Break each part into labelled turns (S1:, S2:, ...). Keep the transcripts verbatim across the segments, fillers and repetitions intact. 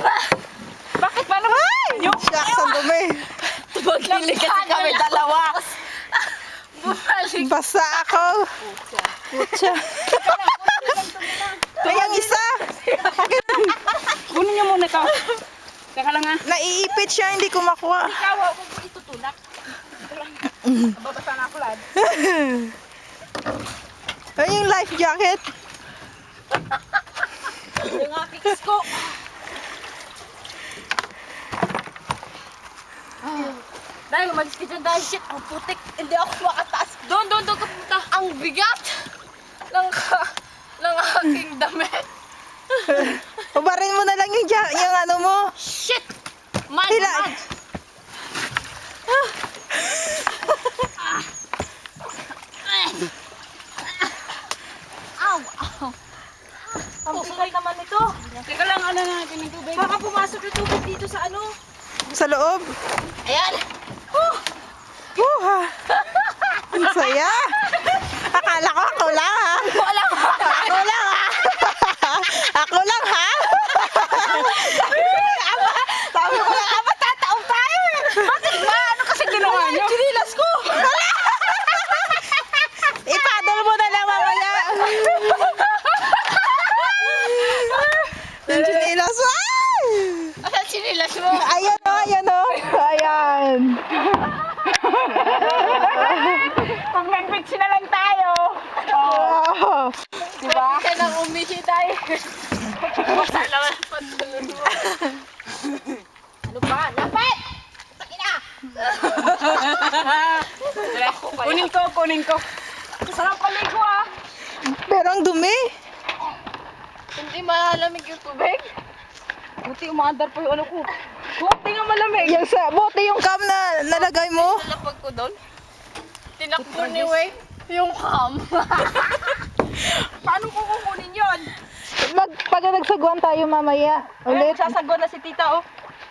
S1: Bakit ba naman? Yung
S2: Shucks, ang dumi.
S1: Tumagkilig kasi kami dalawa.
S2: Basa ako. Putya. Ay, ang isa.
S1: Kunin niyo muna to. Teka lang ha.
S2: Naiipit siya, hindi ko makuha.
S1: Ikaw, huwag mo itutulak. Babasa na ako, lad.
S2: Ay, yung life jacket.
S1: Yung aking ko. Dahil umalis ka dyan dahil shit, ang putik. Hindi ako makataas. Doon, doon, doon ka pumunta. Ang bigat ng, ng aking damit.
S2: Ubarin mo na lang yung, ja- yung ano mo.
S1: Shit! Man,
S2: Hila.
S1: man. Aw, aw. Ang bigat naman ito. Teka lang, ano na natin yung tubig. Baka pumasok yung tubig dito sa ano.
S2: Sa loob.
S1: Ayan.
S2: Buha. Ang saya. Akala ko ako lang ha.
S1: Wala ka.
S2: Ako lang ha. Ako lang ha. Sabi ko lang, apa tataong tayo eh.
S1: Bakit ba? Ano kasi ginawa niyo?
S2: Chinilas ko. Ipadol mo na lang mamaya. Yung chinilas mo. Ay!
S1: Asan sinilas mo?
S2: Ayan o, ayan o. Ayan.
S1: Pag nag-beach na lang tayo.
S2: Oh.
S1: Diba? Kasi nang umihi tayo. Masalaman ang pantulon mo. Ano ba? Lapit! Takina! Kunin ko, kunin ko. Sarap paligo ah.
S2: Pero ang dumi.
S1: Hindi malamig yung tubig. Buti umaandar pa yung ano ko. Buti nga malamig.
S2: Yung sa, buti yung cam na nalagay mo.
S1: Nalapag ko doon. Tinakbo ni Wayne yung cam. Paano ko kukunin yun?
S2: Mag, pag nagsagwan tayo mamaya. Ulit.
S1: Sasagwan na si tita oh.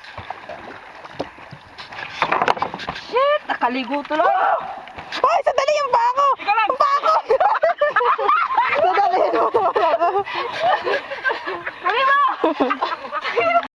S1: Shit! Nakaligo tuloy.
S2: Ay, sandali yung bako!
S1: Ikaw lang.
S2: Yung bako! Sandali yung bako.
S1: Kunin mo!